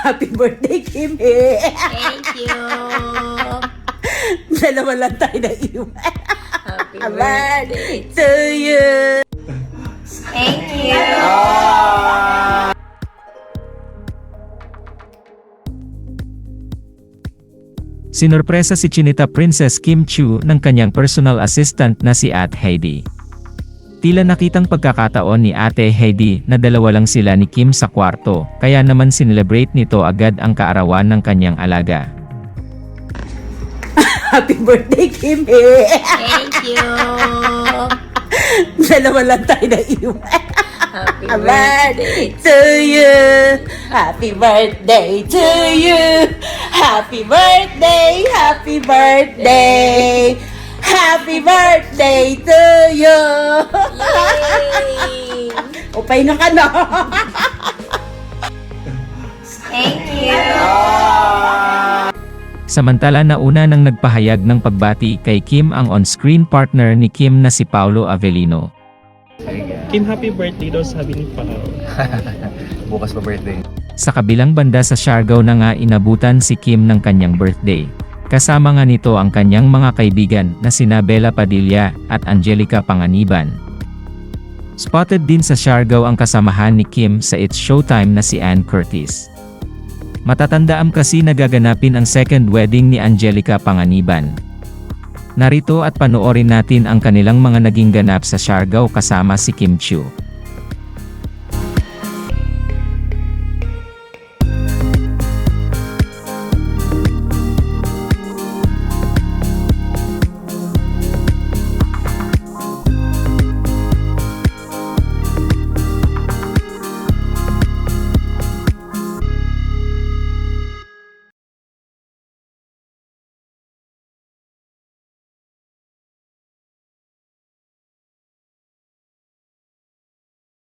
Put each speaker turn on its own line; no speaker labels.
Happy birthday, Kim!
Thank you.
Dalawa lang tayo na iwan.
Happy
Birthday to you!
Thank you.
Sinurpresa si Chinita Princess Kim Chiu ng kanyang personal assistant na si Ate Heidi. Tila nakitang pagkakataon ni Ate Heidi na dalawa lang sila ni Kim sa kwarto, kaya naman sinelebrate nito agad ang kaarawan ng kanyang alaga.
Happy birthday, Kim!
Thank you.
Dalawa lang tayo na iwan.
Happy
Birthday to you! Happy birthday to you! Happy birthday! Happy birthday! Happy birthday to you!
Yay!
Upay na ka na!
Thank you.
Samantala nauna nang nagpahayag ng pagbati kay Kim ang on-screen partner ni Kim na si Paolo Avellino.
Kim, happy birthday daw sabi ni Pao.
Bukas pa birthday.
Sa kabilang banda sa Siargao na nga inabutan si Kim ng kanyang birthday. Kasama nga nito ang kanyang mga kaibigan na sina Bella Padilla at Angelica Panganiban. Spotted din sa Siargao ang kasamahan ni Kim sa It's Showtime na si Ann Curtis. Matatandaan kasi nagaganapin ang second wedding ni Angelica Panganiban. Narito at panoorin natin ang kanilang mga naging ganap sa Siargao kasama si Kim Chiu.